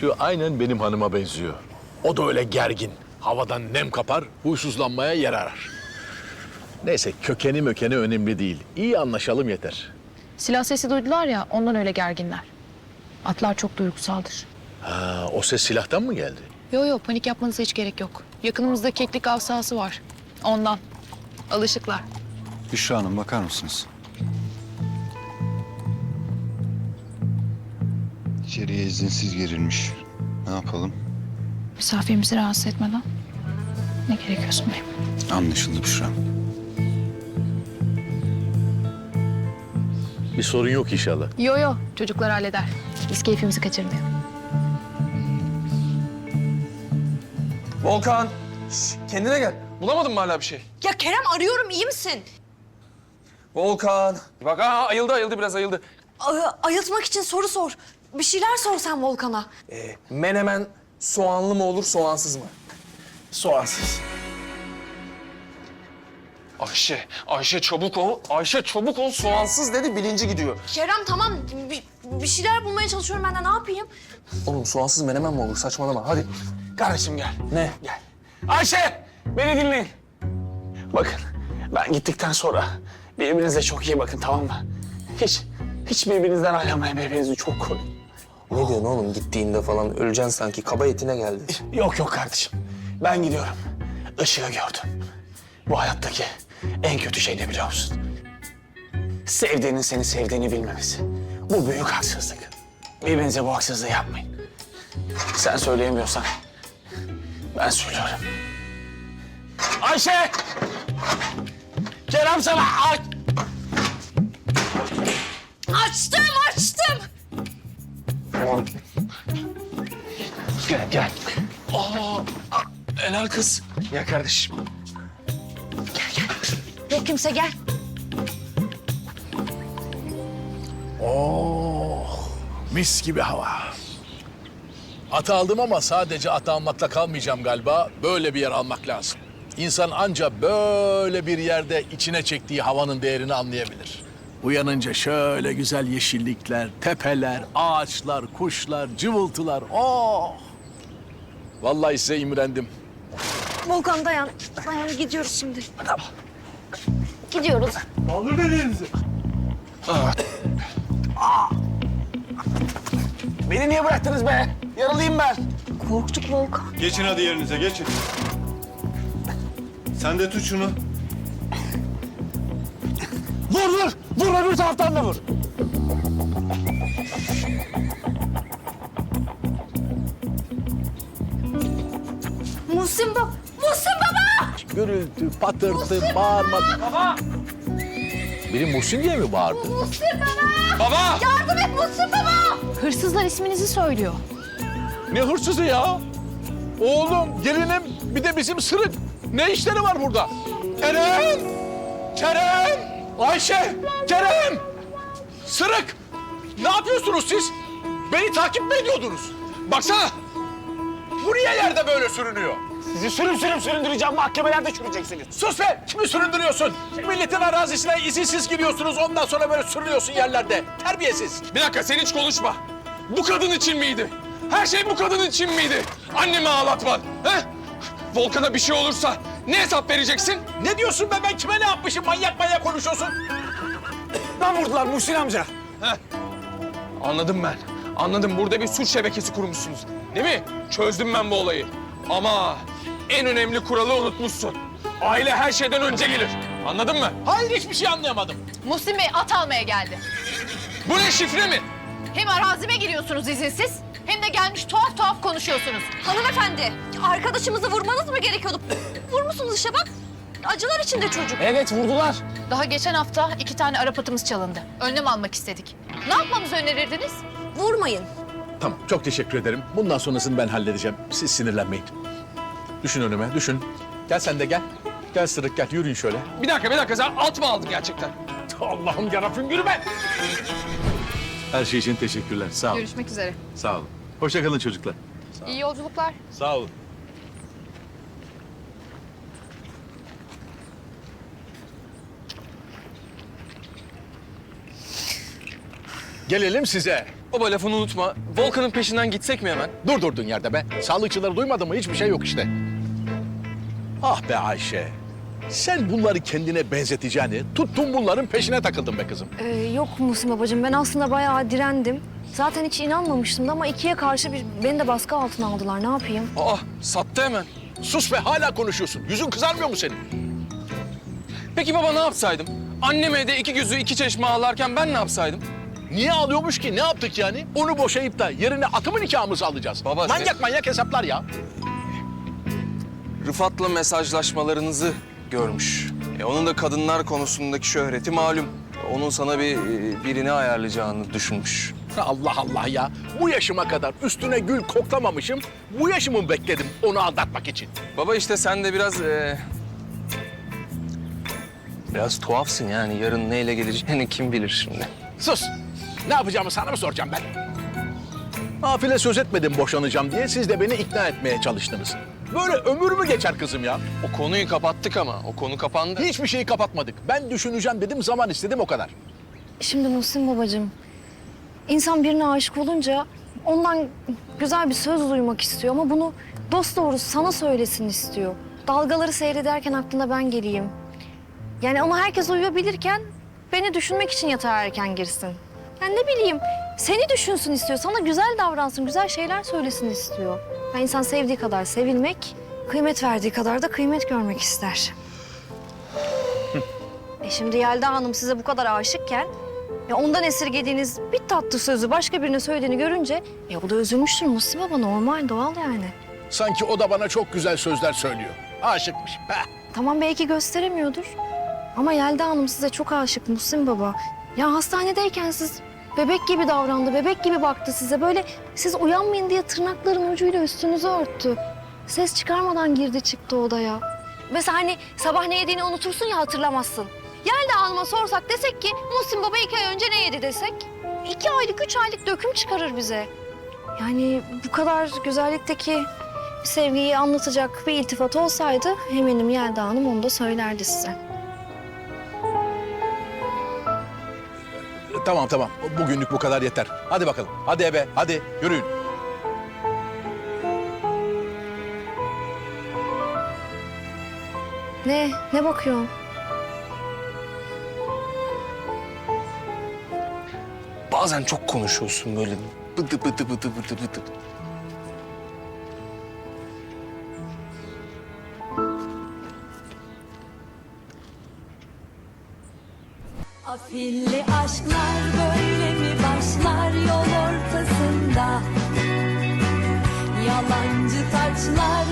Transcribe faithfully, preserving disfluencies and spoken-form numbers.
Şu aynen benim hanıma benziyor. O da öyle gergin. Havadan nem kapar, huysuzlanmaya yer arar. Neyse kökeni mökeni önemli değil. İyi anlaşalım yeter. Silah sesi duydular ya, ondan öyle gerginler. Atlar çok duygusaldır. Ha, o ses silahtan mı geldi? Yo yo, panik yapmanıza hiç gerek yok. Yakınımızda keklik av sahası var. Ondan. Alışıklar. Büşra Hanım bakar mısınız? İçeriye izinsiz girilmiş. Ne yapalım? Misafirimizi rahatsız etmeden. Ne gerekiyorsun benim? Anlaşıldı Büşra. Bir sorun yok inşallah. Yo yo, çocuklar halleder. Biz keyfimizi kaçırmayalım. Volkan, şş, kendine gel. Bulamadın mı hala bir şey? Ya Kerem arıyorum, iyi misin? Volkan. Bak ha ayıldı ayıldı biraz ayıldı. A- ayıltmak için soru sor. Bir şeyler sor sen Volkan'a. Ee, menemen soğanlı mı olur soğansız mı? Soğansız. Ayşe, Ayşe çabuk ol. Ayşe çabuk ol soğansız dedi bilinci gidiyor. Kerem tamam, bir, bir şeyler bulmaya çalışıyorum ben de, ne yapayım? Oğlum soğansız menemen mi olur saçmalama hadi. Kardeşim gel. Ne? Gel. Ayşe beni dinleyin. Bakın ben gittikten sonra birbirinize çok iyi bakın tamam mı? Hiç, hiç birbirinizden ayrılmayın, birbirinizi çok koruyun. Ne diyorsun oğlum, gittiğinde falan öleceksin sanki, kaba etine geldi. Yok yok kardeşim. Ben gidiyorum. Işığı gördüm. Bu hayattaki en kötü şey ne biliyor musun? Sevdiğinin seni sevdiğini bilmemesi. Bu büyük haksızlık. Birbirinize bu haksızlığı yapmayın. Sen söyleyemiyorsan ben söylüyorum. Ayşe! Kerem sana aç! Açtım, açtım. Gel, gel. Aa, helal kız. Ya kardeşim. Yok kimse, gel. Oh, mis gibi hava. Atı aldım ama sadece atı almakla kalmayacağım galiba. Böyle bir yer almak lazım. İnsan anca böyle bir yerde içine çektiği havanın değerini anlayabilir. Uyanınca şöyle güzel yeşillikler, tepeler, ağaçlar, kuşlar, cıvıltılar. Oh! Vallahi size imrendim. Volkan dayan, dayan gidiyoruz şimdi. Tamam. Gidiyoruz. Beni niye bıraktınız be? Yaralıyım ben. Korktuk Volkan. Geçin hadi yerinize, geçin. Sen de tut şunu. Vur vur! Vur öbür taraftan da vur. Muhsin baba, Muhsin baba! Gürültü, patırtı, bağırma. Baba! Biri Muhsin diye mi bağırdı? Muhsin baba! Baba! Yardım et Muhsin baba! Hırsızlar isminizi söylüyor. Ne hırsızı ya? Oğlum, gelinim, bir de bizim sırık. Ne işleri var burada? Kerem! Kerem! Ayşe! Kerem! Sırık! Ne yapıyorsunuz siz? Beni takip mi ediyordunuz? Baksana! Bu niye yerde böyle sürünüyor? Sizi sürüm sürüm süründüreceğim, mahkemelerde çürüyeceksiniz. Sus be! Kimi süründürüyorsun? Milletin arazisine izinsiz giriyorsunuz, ondan sonra böyle sürünüyorsun yerlerde. Terbiyesiz. Bir dakika, sen hiç konuşma. Bu kadın için miydi? Her şey bu kadın için miydi? Annemi ağlatman, he? Volkan'a bir şey olursa ne hesap vereceksin? Ne diyorsun be? Ben kime ne yapmışım? Manyak manyak konuşuyorsun. Ben vurdular Muhsin amca. Heh. Anladım ben. Anladım. Burada bir suç şebekesi kurmuşsunuz. Değil mi? Çözdüm ben bu olayı. Ama en önemli kuralı unutmuşsun. Aile her şeyden önce gelir. Anladın mı? Hayır, hiçbir şey anlayamadım. Muhsin Bey at almaya geldi. Bu ne, şifre mi? Hem arazime giriyorsunuz izinsiz, hem de gelmiş tuhaf tuhaf konuşuyorsunuz. Hanımefendi, arkadaşımızı vurmanız mı gerekiyordu? Vurmuşsunuz işte bak. Acılar içinde çocuk. Evet, vurdular. Daha geçen hafta iki tane Arap atımız çalındı. Önlem almak istedik. Ne yapmamızı önerirdiniz? Vurmayın. Tamam, çok teşekkür ederim. Bundan sonrasını ben halledeceğim. Siz sinirlenmeyin. Düşün önüme, düşün. Gel sen de gel. Gel Sırık, gel. Yürüyün şöyle. Bir dakika, bir dakika. Sen at mı aldın gerçekten? Allah'ım yarabbim, yürüme! Her şey için teşekkürler. Sağ olun. Görüşmek üzere. Sağ olun. Hoşça kalın çocuklar. İyi yolculuklar. Sağ olun. Gelelim size. Baba lafını unutma. Volkan'ın peşinden gitsek mi hemen? Dur durdun yerde be. Sağlıkçıları duymadın mı? Hiçbir şey yok işte. Ah be Ayşe. Sen bunları kendine benzeteceğini tuttun bunların peşine takıldın be kızım. Ee, yok Muhsin babacığım, ben aslında bayağı direndim. Zaten hiç inanmamıştım da ama ikiye karşı bir, beni de baskı altına aldılar. Ne yapayım? Aa sattı hemen. Sus be hala konuşuyorsun. Yüzün kızarmıyor mu senin? Peki baba ne yapsaydım? Annem evde iki gözü iki çeşme ağlarken ben ne yapsaydım? Niye ağlıyormuş ki? Ne yaptık yani? Onu boşayıp da yerine atımı nikahımızı alacağız. Baba, manyak sen- manyak hesaplar ya. Rıfat'la mesajlaşmalarınızı görmüş. E, onun da kadınlar konusundaki şöhreti malum. Onun sana bir e, birini ayarlayacağını düşünmüş. Allah Allah ya. Bu yaşıma kadar üstüne gül koklamamışım. Bu yaşımı bekledim onu aldatmak için. Baba işte sen de biraz... e, biraz tuhafsın yani. Yarın neyle geleceğini kim bilir şimdi. Sus. Ne yapacağımı sana mı soracağım ben? Nafile söz etmedim boşanacağım diye siz de beni ikna etmeye çalıştınız. Böyle ömür mü geçer kızım ya? O konuyu kapattık ama. O konu kapandı. Hiçbir şeyi kapatmadık. Ben düşüneceğim dedim, zaman istedim o kadar. Şimdi Muhsin babacığım, insan birine aşık olunca ondan güzel bir söz duymak istiyor ama bunu dosdoğru sana söylesin istiyor. Dalgaları seyrederken aklına ben geleyim. Yani ona herkes uyuyabilirken beni düşünmek için yatağa erken girsin. Yani ne bileyim, seni düşünsün istiyor, sana güzel davransın, güzel şeyler söylesin istiyor. Yani insan sevdiği kadar sevilmek, kıymet verdiği kadar da kıymet görmek ister. E şimdi Yelda Hanım size bu kadar aşıkken, ya ondan esirgediğiniz bir tatlı sözü başka birine söylediğini görünce, ya o da üzülmüştür Muhsin Baba, normal, doğal yani. Sanki o da bana çok güzel sözler söylüyor. Aşıkmış. Heh. Tamam belki gösteremiyordur. Ama Yelda Hanım size çok aşık Muhsin Baba. Ya hastanedeyken siz bebek gibi davrandı, bebek gibi baktı size. Böyle siz uyanmayın diye tırnakların ucuyla üstünüzü örttü. Ses çıkarmadan girdi çıktı odaya. Mesela hani sabah ne yediğini unutursun ya, hatırlamazsın. Yelda Hanım'a sorsak desek ki Muhsin Baba iki ay önce ne yedi desek, iki aylık, üç aylık döküm çıkarır bize. Yani bu kadar güzellikteki bir sevgiyi anlatacak bir iltifat olsaydı eminim Yelda Hanım onu da söylerdi size. Tamam tamam. Bugünlük bu kadar yeter. Hadi bakalım. Hadi eve. Hadi yürüyün. Ne? Ne bakıyorsun? Bazen çok konuşuyorsun böyle. Bıdı bıdı bıdı bıdı bıdı. Afilli aşklar böyle mi başlar yol ortasında? Yalancı taçlar